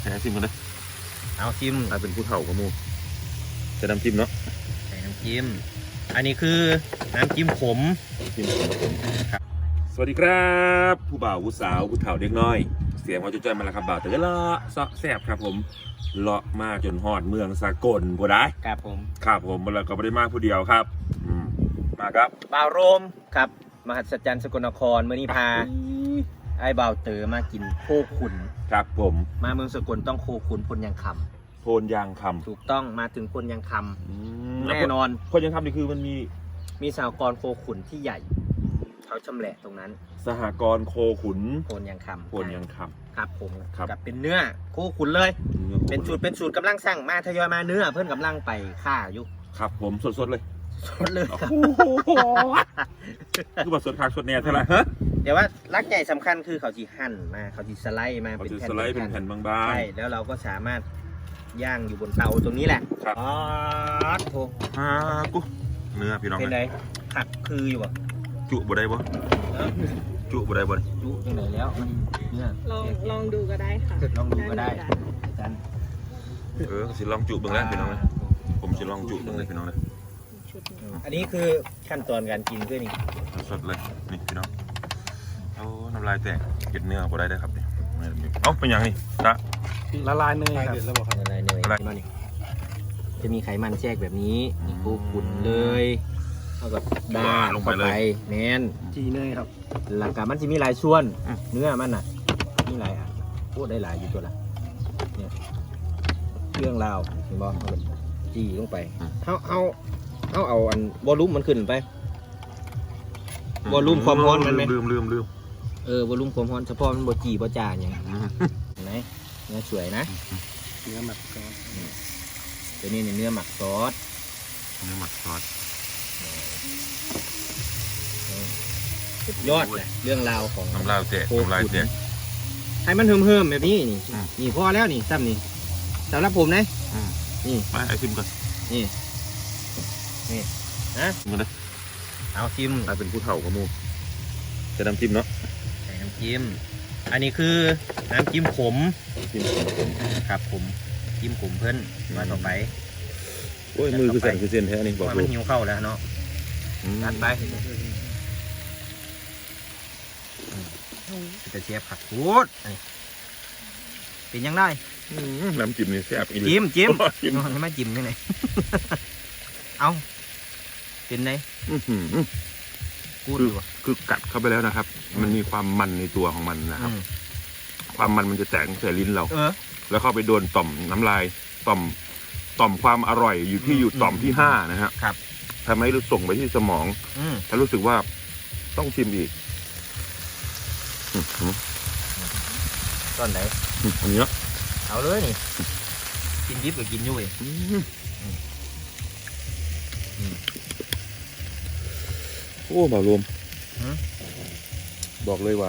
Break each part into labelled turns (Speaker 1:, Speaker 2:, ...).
Speaker 1: ให้ชิมกันเลย
Speaker 2: เอาชิม
Speaker 1: เป็นผู้เฒ่ากับมูจะน้ำจิ้มเนาะ
Speaker 2: ใส่น้ำจิ้มอันนี้คือน้ำจิ้มขม
Speaker 1: ครับสวัสดีครับผู้บ่าวผู้สาวผู้เฒ่าเด็กน้อยเสียงว่าจะจอยมาแล้วครับบ่าวแต่ก็เลาะซอกแซบครับผมเลาะมาจนฮอดเมืองสากลบ่ได้
Speaker 2: ครับผม
Speaker 1: แล้วก็ไม่ได้มาผู้เดียวครับมาครับ
Speaker 2: บ่าวโรมครับมหัศจรรย์สกลนครเมื่อนี้พาไอ้บ่าวเต๋อมากินโคขุน
Speaker 1: ครับผม
Speaker 2: มาเมืองสกลต้องโคขุนพลยังค
Speaker 1: ำโพนยางคำ
Speaker 2: ถูกต้องมาถึงพลยังคำแน่นอน
Speaker 1: พลยังคำนี่คือมัน
Speaker 2: มีสหกรณ์โคขุนที่ใหญ่เขาชำแหละตรงนั้น
Speaker 1: สหกรณ์โคขุน
Speaker 2: พลยังคำครับผมกับเป็นเนื้อโคขุนเลยเป็นสูตรกำลังสั่งมาทยอยมาเนื้อเพื่อนกำลังไปฆ่าอยู่
Speaker 1: ครับผมสดเลย
Speaker 2: ครับ
Speaker 1: คือแบบสดคักสดแน่เท่าไหร่
Speaker 2: เดี๋ยวว่าลักใหญ่สำคัญคือเขาจีหั่นมาเขาจีสไลด์มา
Speaker 1: เป็นแผ่นบางๆ
Speaker 2: ใช่แล้วเราก็สามารถย่างอยู่บนเตาตรงนี้แหละ
Speaker 1: ครับ
Speaker 2: อ๋อโถ
Speaker 1: กูเนื้อพี่น้อง
Speaker 2: เป็นไงผักคืออยู่บ่
Speaker 1: จุบ่ได้บ่จุบ่ได้บ่
Speaker 2: จุยังไงแล้วมันเนื้อ
Speaker 3: ลองดูก็ได้ค่ะ
Speaker 2: ลองดูก็ได้กัน
Speaker 1: สิลองจุบ้างแล้วพี่น้องเลยผมสิลองจุบ้างเลยพี่น้องเลย
Speaker 2: อันนี้คือขั้นตอนการกินด้วยนี่
Speaker 1: สดเลยนี่พี่น้องเอาน้ำลายแตกเก็ดเนื้อบ่ได้ครับเนี่ยเอาเป็นอย่างนี้
Speaker 2: ละลายเนยครับละลายเนยมานี่จะมีไขมันแทรกแบบนี้โคขุนเลยเท่ากับดา
Speaker 1: ลงไปเลย
Speaker 2: แน่น
Speaker 3: จีเนยครับ
Speaker 2: หลักการมันจะมีหลายส่วนเนื้อมันน่ะมีหลายอ่ะพูดได้หลายอยู่ตัวละเนี่ยเรื่องราวเห็นบ่จีลงไปเอาอันวอลลุ่มมันขึ้นไปวอลลุ่มความร้อนมันไหม
Speaker 1: ลืม
Speaker 2: วอลลุ่มความร้อนเฉพาะมันบ่จีบ่จ่าอย่างเห็นไหมเนื้อสวยนะ
Speaker 3: เนื้อหมักซอส
Speaker 2: ตัวนี้เนื้อหมักซอสสุดยอดเลยเรื่องราวของ
Speaker 1: น้ำลายแตก
Speaker 2: ให้มันเฮิมๆแบบนี้นี่พอแล้วนี่ซ้ำนี่สำหรับผมนะนี่
Speaker 1: ไปไอซิมก่อน
Speaker 2: นี่นะ
Speaker 1: มาเลย
Speaker 2: เอาชิม
Speaker 1: เป็นผู้เฒ่ากับมูจะน้ำจิ้มเนาะ
Speaker 2: ใส่น้ำจิ้มอันนี้คือน้ำจิ้มขมครับผมจิ้มขมเพิ่นมาต่อไป
Speaker 1: โอ้ยมือคือสั่นคือเส้นแท้นี่บอก
Speaker 2: มันหิวเข้าแล้วเนาะตัดไปจะเชียบผักกูดเป็นยังได้
Speaker 1: น้ำจิ้มนี่แซ่บอีก
Speaker 2: จิ้มให้มาจิ้มยังไงเอาเป็นไง
Speaker 1: คือกัดเข้าไปแล้วนะครับ มันมีความมันในตัวของมันนะครับความมันจะแตกใส่ลิ้นเราแล้วเข้าไปโดนต่อมน้ำลายต่อมความอร่อยอยู่ต่อมที่5นะฮะทำให้รู้ส่งไปที่สมองแล้วรู้สึกว่าต้องชิมอีก
Speaker 2: ตอนไหน
Speaker 1: อันนี้
Speaker 2: เอาเลยนี่กินดิบกับกินยุ่ย
Speaker 1: โอ้บ่าวรวมบอกเลยว่า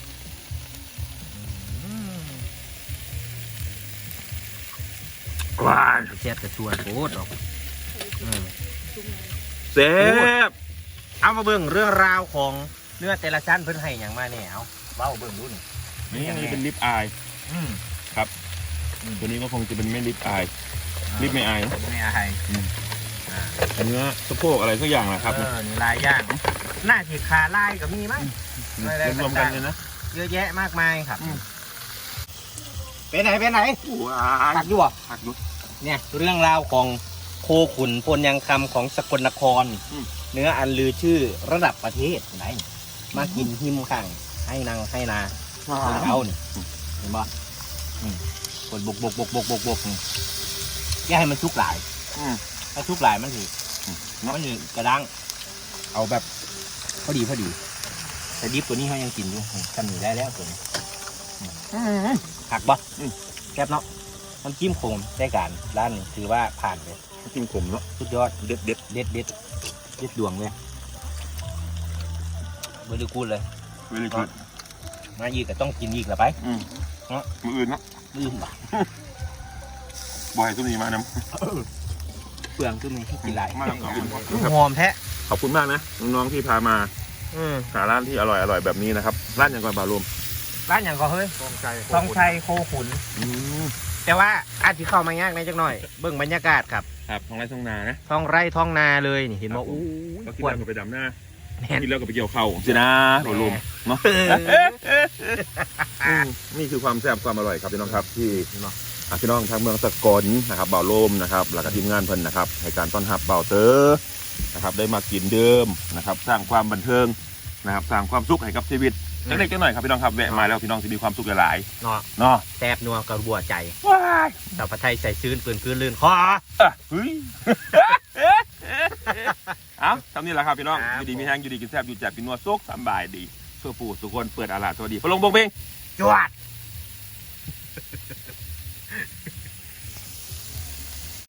Speaker 2: แซ่บกระชวนโคตรหรอก
Speaker 1: แซ่บ
Speaker 2: เอามาเบิ่งเรื่องราวของเนื้อแต่ละชั้นเพิ่นให้อย่างมาเนี่ยเอาเบ้าเบิ่งดู
Speaker 1: นี่เป็นลิปอายครับตัวนี้ก็คงจะเป็นไม่ลิปอายลิปไม่อาย
Speaker 2: ไม่อาย
Speaker 1: เนื้อสะโพกอะไรสักอย่างนะครับ
Speaker 2: นี่ลายย่างหน้าที่ขาลายกับมีมั้ย
Speaker 1: รวมกันเลยนะ
Speaker 2: เยอะแยะมากมายครับเป็นไหนหักอยู่เนี่ยเรื่องราวของโคขุนพลยังคำของสกลนครเนื้ออันลือชื่อระดับประเทศไหนมากินหิมข้างให้นางให้นาเอาเนี่ยเห็นบ่คนบกอย่าให้มันชุกหลายถ้าชุกหลายมันถือกระด้างเอาแบบพอดีแต่ดิบตัวนี้เขายังกินอยู่ทำหนีได้แล้วตัวนี้หักบ่แซ่บเนาะมันจิ้มขมได้การร้านนี้ถือว่าผ่านเลย
Speaker 1: จิ้มขมเนาะ
Speaker 2: สุดยอด
Speaker 1: เด็ด
Speaker 2: ดวงเลยเบอร์ดูกูเลยมาอีกแต่ต้องกินอีกละไป
Speaker 1: มืออื่นเนาะ
Speaker 2: บ่
Speaker 1: บ่อยตุ้มนี้มาน้
Speaker 2: ำเปลืองตุ้มนี้ให้กินหลาย
Speaker 1: มาก
Speaker 2: หอมแท้
Speaker 1: ขอบคุณมากนะน้องๆที่พามาหาร้านที่อร่อยแบบนี้นะครับร้านอย่างก่อนบ่าวรวม
Speaker 2: ร้านอย่างก็เฮ้ยทองชัยโคขุนแต่ว่าอาจจะเข้ามายากในจักหน่อย เบิ่งบรรยากาศครับ
Speaker 1: ครับท้องไร่ท้องนานะ
Speaker 2: ท้องไร่ท้องนาเลยนี่เห็น
Speaker 1: ครั
Speaker 2: ว่า
Speaker 1: บผม
Speaker 2: อู้
Speaker 1: ก็คิด
Speaker 2: ควร
Speaker 1: แล้วก็ไปดำหน้า
Speaker 2: แน่น
Speaker 1: คิดแล้วก็ไปเกี่ยวเข่าสินะโดนลมเนาะนี่คือความแซ่บความอร่อยครับพี่น้องครับที่พี่น้องทางเมืองสกลนะครับบ่าวโลมนะครับแล้วก็ทีมงานเพิ่นนะครับให้การต้อนรับบ่าวเต๋อนะครับได้มากินเดิมนะครับสร้างความบันเทิงนะครับสร้างความสุขให้กับชีวิตเล็กๆน้อยๆครับพี่น้องครับแวะมาแล้วพี่น้องจะมีความสุขหลาย
Speaker 2: เนาะ
Speaker 1: ๆเนาะ
Speaker 2: แซ่บนัวกระบัวใจ
Speaker 1: ว้าย
Speaker 2: สาวผัดไทยใส่ซื้นปืนคืนลื่นคอ
Speaker 1: เฮ้ยเอาทำนี่แหละครับพี่น้อง
Speaker 2: ครับ
Speaker 1: อยู่ดีมีแห้งอยู่ดีกินแซ่บอยู่แจ่บกินนัวซุกสบายดีเพื่อปู่สุกคนเปิดอาลาดสวัสดีพระลงบงเบง
Speaker 2: จวด